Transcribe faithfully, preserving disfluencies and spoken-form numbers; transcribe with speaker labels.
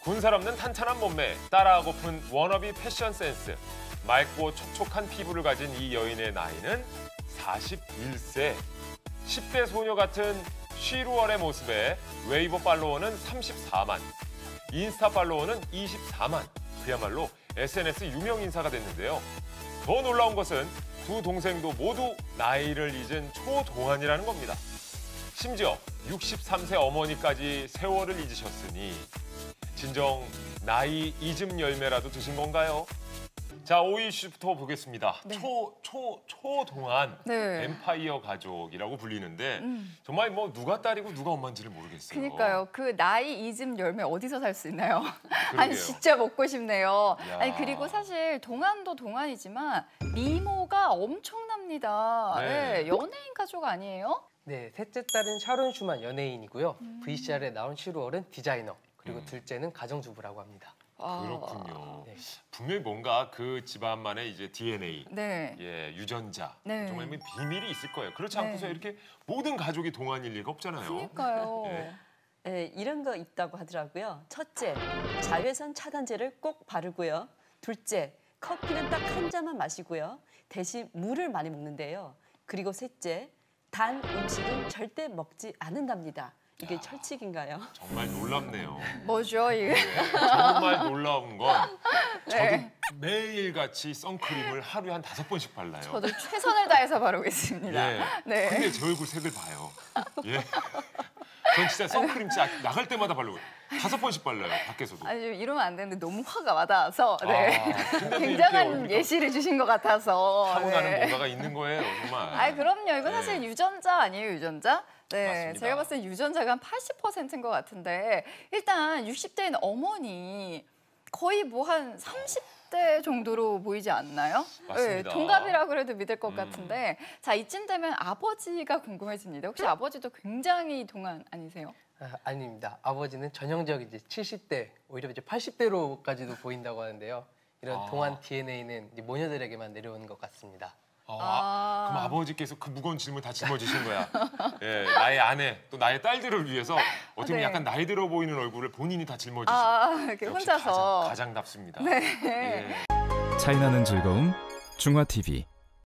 Speaker 1: 군살 없는 탄탄한 몸매, 따라하고픈 워너비 패션 센스, 맑고 촉촉한 피부를 가진 이 여인의 나이는 사십일 세. 십 대 소녀 같은 쉬루얼의 모습에 웨이보 팔로워는 삼십사만, 인스타 팔로워는 이십사만. 그야말로 에스엔에스 유명 인사가 됐는데요. 더 놀라운 것은 두 동생도 모두 나이를 잊은 초동안이라는 겁니다. 심지어 육십삼 세 어머니까지 세월을 잊으셨으니 진정 나이 잊음 열매라도 드신 건가요? 자, 오 위 이슈부터 보겠습니다.
Speaker 2: 네.
Speaker 1: 초, 초, 초동안
Speaker 2: 네.
Speaker 1: 엠파이어 가족이라고 불리는데
Speaker 2: 음.
Speaker 1: 정말 뭐 누가 딸이고 누가 엄마인지를 모르겠어요.
Speaker 2: 그러니까요. 그 나이 잊음 열매 어디서 살 수 있나요? 아니
Speaker 1: 그러게요.
Speaker 2: 진짜 먹고 싶네요.
Speaker 1: 야.
Speaker 2: 아니 그리고 사실 동안도 동안이지만 미모가 엄청납니다.
Speaker 1: 네.
Speaker 2: 네, 연예인 가족 아니에요?
Speaker 3: 네, 셋째 딸은 샤론 슈만 연예인이고요.
Speaker 2: 음.
Speaker 3: 브이씨알에 나온 슈루얼은 디자이너, 그리고
Speaker 1: 음.
Speaker 3: 둘째는 가정주부라고 합니다.
Speaker 2: 아.
Speaker 1: 그렇군요.
Speaker 3: 네.
Speaker 1: 분명히 뭔가 그 집안만의 이제 디엔에이,
Speaker 2: 네.
Speaker 1: 예, 유전자,
Speaker 2: 네.
Speaker 1: 정말 뭐 비밀이 있을 거예요. 그렇지
Speaker 2: 네.
Speaker 1: 않고서 이렇게 모든 가족이 동안일 리가 없잖아요.
Speaker 2: 그러니까요.
Speaker 1: 네.
Speaker 4: 네, 이런 거 있다고 하더라고요. 첫째, 자외선 차단제를 꼭 바르고요. 둘째, 커피는 딱 한 잔만 마시고요. 대신 물을 많이 먹는데요. 그리고 셋째, 단 음식은 절대 먹지 않는답니다. 이게
Speaker 1: 야.
Speaker 4: 철칙인가요?
Speaker 1: 정말 놀랍네요.
Speaker 2: 뭐죠 이게?
Speaker 1: 네, 정말 놀라운 건 저도
Speaker 2: 네.
Speaker 1: 매일같이 선크림을 하루에 한 다섯 번씩 발라요.
Speaker 2: 저도 최선을 다해서 바르고 있습니다.
Speaker 1: 예.
Speaker 2: 네.
Speaker 1: 근데 제 얼굴 색을 봐요. 예. 전 진짜 선크림 진짜 나갈 때마다 바르고 다섯 번씩 발라요. 밖에서도.
Speaker 2: 아니 좀 이러면 안 되는데 너무 화가 와닿아서 네.
Speaker 1: 아, 근데도
Speaker 2: 굉장한
Speaker 1: 이렇게 얼굴이
Speaker 2: 예시를 주신 것 같아서.
Speaker 1: 타고나는
Speaker 2: 네.
Speaker 1: 뭔가가 있는 거예요, 정말.
Speaker 2: 아, 그럼요. 이건
Speaker 1: 네.
Speaker 2: 사실 유전자 아니에요, 유전자? 네,
Speaker 1: 맞습니다.
Speaker 2: 제가 봤을 때 유전자가 한 팔십 퍼센트인 것 같은데 일단 육십 대인 어머니 거의 뭐 한 삼십 대 정도로 보이지 않나요?
Speaker 1: 맞습니다.
Speaker 2: 네, 동갑이라 그래도 믿을 것
Speaker 1: 음.
Speaker 2: 같은데 자, 이쯤 되면 아버지가 궁금해집니다. 혹시 아버지도 굉장히 동안 아니세요?
Speaker 3: 아, 아닙니다. 아버지는 전형적 이제 칠십 대, 오히려 이제 팔십 대로까지도 보인다고 하는데요. 이런
Speaker 1: 아.
Speaker 3: 동안 디엔에이는 이제 모녀들에게만 내려오는 것 같습니다.
Speaker 1: 아,
Speaker 2: 아.
Speaker 1: 그럼 아버지께서 그 무거운 짐을 다 짊어지신 거야. 예, 나의 아내, 또 나의 딸들을 위해서 어떻게 보면
Speaker 2: 네.
Speaker 1: 약간 나이 들어 보이는 얼굴을 본인이 다 짊어지시고.
Speaker 2: 아, 이렇게
Speaker 1: 역시
Speaker 2: 혼자서.
Speaker 1: 가장, 가장답습니다.
Speaker 2: 네.
Speaker 1: 예.
Speaker 5: 차이나는 즐거움 중화티비